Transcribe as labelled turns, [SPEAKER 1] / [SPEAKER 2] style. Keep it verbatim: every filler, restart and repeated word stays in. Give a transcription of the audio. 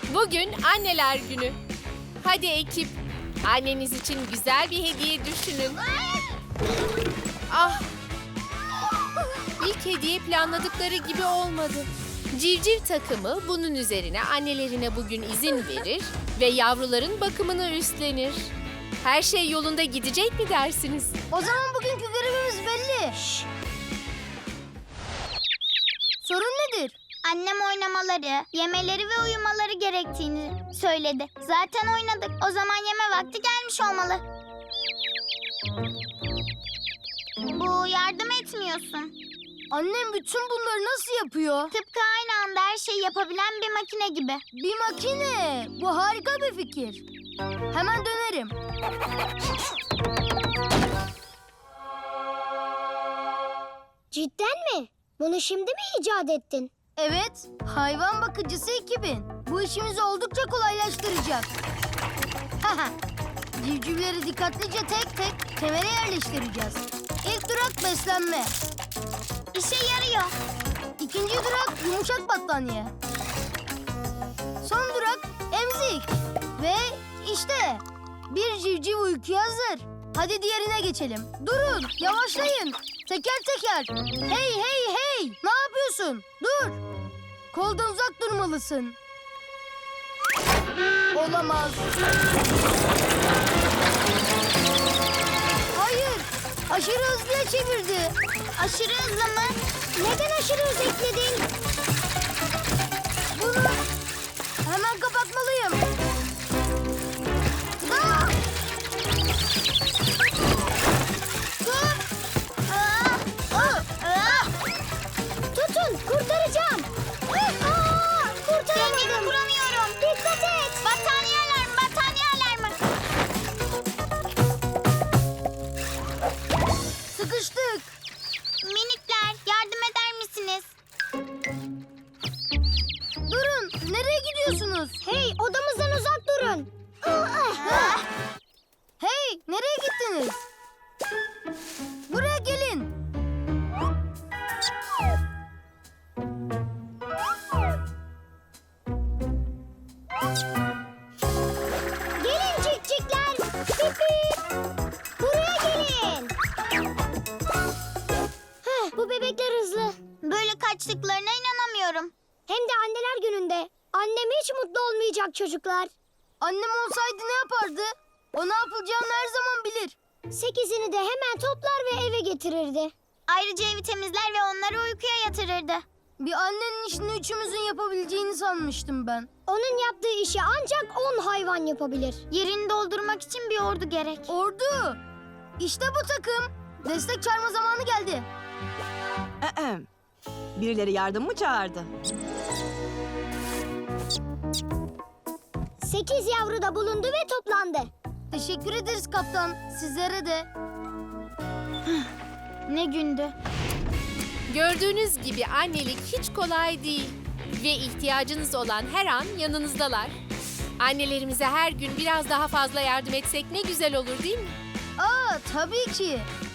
[SPEAKER 1] Bugün Anneler Günü. Hadi ekip, anneniz için güzel bir hediye düşünün. Ah! İlk hediye planladıkları gibi olmadı. Civciv takımı bunun üzerine annelerine bugün izin verir ve yavruların bakımını üstlenir. Her şey yolunda gidecek mi dersiniz?
[SPEAKER 2] O zaman bugünkü görevimiz belli. Sorun nedir?
[SPEAKER 3] Annem oynamaları, yemeleri ve uyumaları gerektiğini söyledi. Zaten oynadık. O zaman yeme vakti gelmiş olmalı. Bu yardım etmiyorsun.
[SPEAKER 2] Annem bütün bunları nasıl yapıyor?
[SPEAKER 3] Tıpkı aynı anda her şeyi yapabilen bir makine gibi.
[SPEAKER 2] Bir makine. Bu harika bir fikir. Hemen dönerim.
[SPEAKER 4] Cidden mi? Bunu şimdi mi icat ettin?
[SPEAKER 2] Evet, hayvan bakıcısı ekibin. Bu işimizi oldukça kolaylaştıracak. Haha. Civcivleri dikkatlice tek tek kemere yerleştireceğiz. İlk durak beslenme.
[SPEAKER 3] İşe yarıyor.
[SPEAKER 2] İkinci durak yumuşak battaniye. Son durak emzik. Ve işte bir civciv uykuya hazır. Hadi diğerine geçelim. Durun, yavaşlayın. Teker teker. Hey hey hey! Ne yapıyorsun? Dur. Koldan uzak durmalısın. Olamaz. Hayır. Aşırı hızlıya çevirdi.
[SPEAKER 3] Aşırı hızlı mı?
[SPEAKER 4] Neden aşırı hız ekledin?
[SPEAKER 2] Bunu hemen kapatmalıyım. Aa! Dur.
[SPEAKER 3] Aa,
[SPEAKER 2] Aa!
[SPEAKER 3] aa.
[SPEAKER 4] Tutun, kurtaracağım. Aa,
[SPEAKER 3] Dengemi
[SPEAKER 4] kurtaramadım.
[SPEAKER 3] kuramıyorum.
[SPEAKER 4] Dikkat et.
[SPEAKER 3] Battaniye alarmı, battaniye alarmı.
[SPEAKER 2] Sıkıştık.
[SPEAKER 3] Minikler, yardım eder misiniz?
[SPEAKER 2] Durun. Nereye gidiyorsunuz?
[SPEAKER 4] Hey, odamızdan uzak durun.
[SPEAKER 3] Ah,
[SPEAKER 2] Hey, nereye gittiniz? Buraya gelin.
[SPEAKER 4] Gelin cikcikler. Pip pip. Buraya gelin. Heh, bu bebekler hızlı.
[SPEAKER 3] Böyle kaçtıklarına inanamıyorum.
[SPEAKER 4] Hem de anneler gününde. Annem hiç mutlu olmayacak çocuklar.
[SPEAKER 2] Annem olsaydı ne yapardı? O ne yapılacağını her zaman bilir.
[SPEAKER 4] Sekizini de hemen toplar ve eve getirirdi.
[SPEAKER 3] Ayrıca evi temizler ve onları uykuya yatırırdı.
[SPEAKER 2] Bir annenin işini üçümüzün yapabileceğini sanmıştım ben.
[SPEAKER 4] Onun yaptığı işi ancak on hayvan yapabilir.
[SPEAKER 3] Yerini doldurmak için bir ordu gerek.
[SPEAKER 2] Ordu. İşte bu takım. Destek çağırma zamanı geldi.
[SPEAKER 5] Ahem. Birileri yardım mı çağırdı?
[SPEAKER 4] Sekiz yavru da bulundu ve toplandı.
[SPEAKER 2] Teşekkür ederiz kaptan. Sizlere de.
[SPEAKER 3] Ne gündü.
[SPEAKER 1] Gördüğünüz gibi annelik hiç kolay değil. Ve ihtiyacınız olan her an yanınızdalar. Annelerimize her gün biraz daha fazla yardım etsek ne güzel olur değil mi?
[SPEAKER 2] Aa, tabii ki.